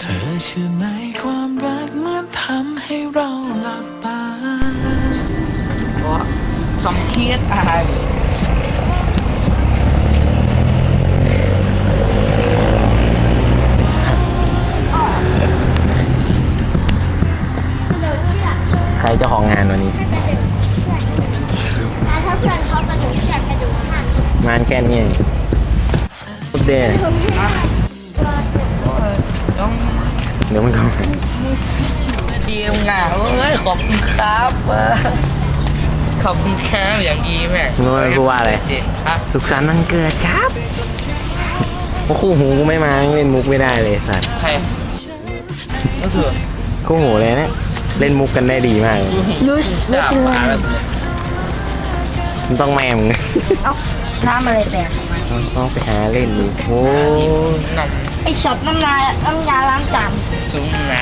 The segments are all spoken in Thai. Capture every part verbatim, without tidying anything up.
ธอเชื่อไหมความรักมันทำให้เราหลับตาเพราะสมเกียรติอะไรใครเจ้าของงานวันนี้ถ้าเพื่อนเขามาถึงเพื่อนจะดูข้างงานแค่นี้ทุกเดย์ต้องเดี๋ยวมันเข้าดีงานเอ้ยขอบคุณครับขอบคุณครับอย่างดีแม่รู้ไหมพูดว่าอะไรสุขสันต์วันเกิดครับโอ้คู่หูกูไม่มาเล่นมุกไม่ได้เลยสัตว์ใครก็คือคู่หูเลยเนี่ยเล่นมุกกันได้ดีมากเลยยูสไม่เป็นไรมันต้องแม่มึงเอ้าน้ำอะไรแตกต้องไปหาเล่นดูโอ้ไอช็อตน้ำลายน้ำยาล้างจานจุ้งนะ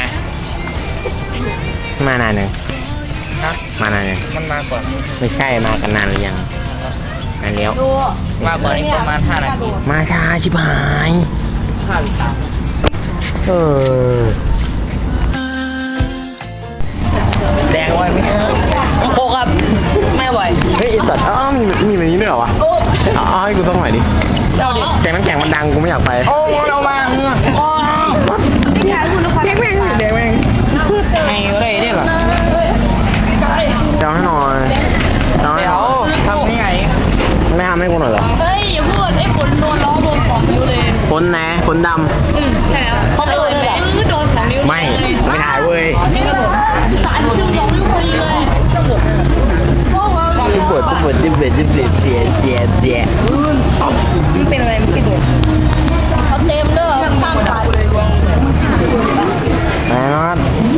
มานานยังฮะมานานยังมันมาก่อนไม่ใช่มากันนานหรือยังนานแล้วมาก่อนอีกประมาณห้านาทีมาช้าชิบหายห้าหรือสามเออแดงไว้ไหมโอ้ครับไม่ไหวเฮ้ยไอสัตว์อ้าวมีมีแบบนี้ด้วยเหรอวะเอาให้กูต้องหน่อยดิแกงน้ำแข็งมันดังกูไม่อยากไปโอ้เรามาเงือกโอ้แดงแม่งแดงแม่งให้อะไรเนี่ยหรอเจ้าให้หน่อยเจ้าให้หน่อยทำยังไงไม่ทำให้กูหน่อยเหรอเฮ้ยอย่าพูดไอ้ฝนโดนล้อวงของนิ้วเลยฝนไหนฝนดำอืมใช่แล้วเขาเปิดแบบโดนของนิ้วไม่ไม่ถ่ายเว้ยสารถึงสองนิ้วพอดีเลยจะบดจะบดจะบดจะบดจะบดเสียเสียเสียมันเป็นอะไรมันกินหัวเขาเต็มเลยตั้งขานะครับ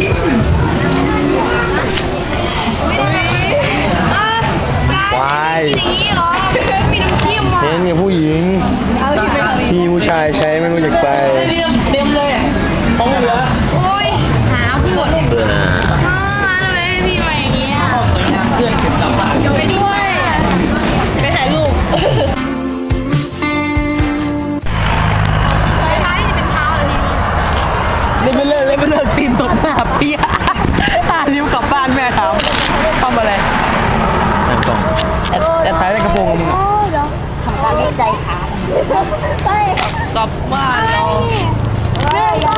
วายเห็นกับผู้หญิงพี่ผู้ชายใช้ไม่รู้จักไปเต็มเลยต้องเหลือโอ้ยหาพูดเบื่อทำไมพี่มาอย่างนี้อ่ะเพื่อนเก็บกลับบ้านไปด้วยไปถ่ายรูปเล่นไปเลิกเล่นไปเลิกตีนตกหน้าเปี้ยตานิ้วกลับบ้านแม่ถามทำอะไรนั่งกล่องแต่ท้ายในกระโปรงมึงโอ้เดี๋ยวทำการวิจัยขาไปกลับบ้านเราเฮ้ย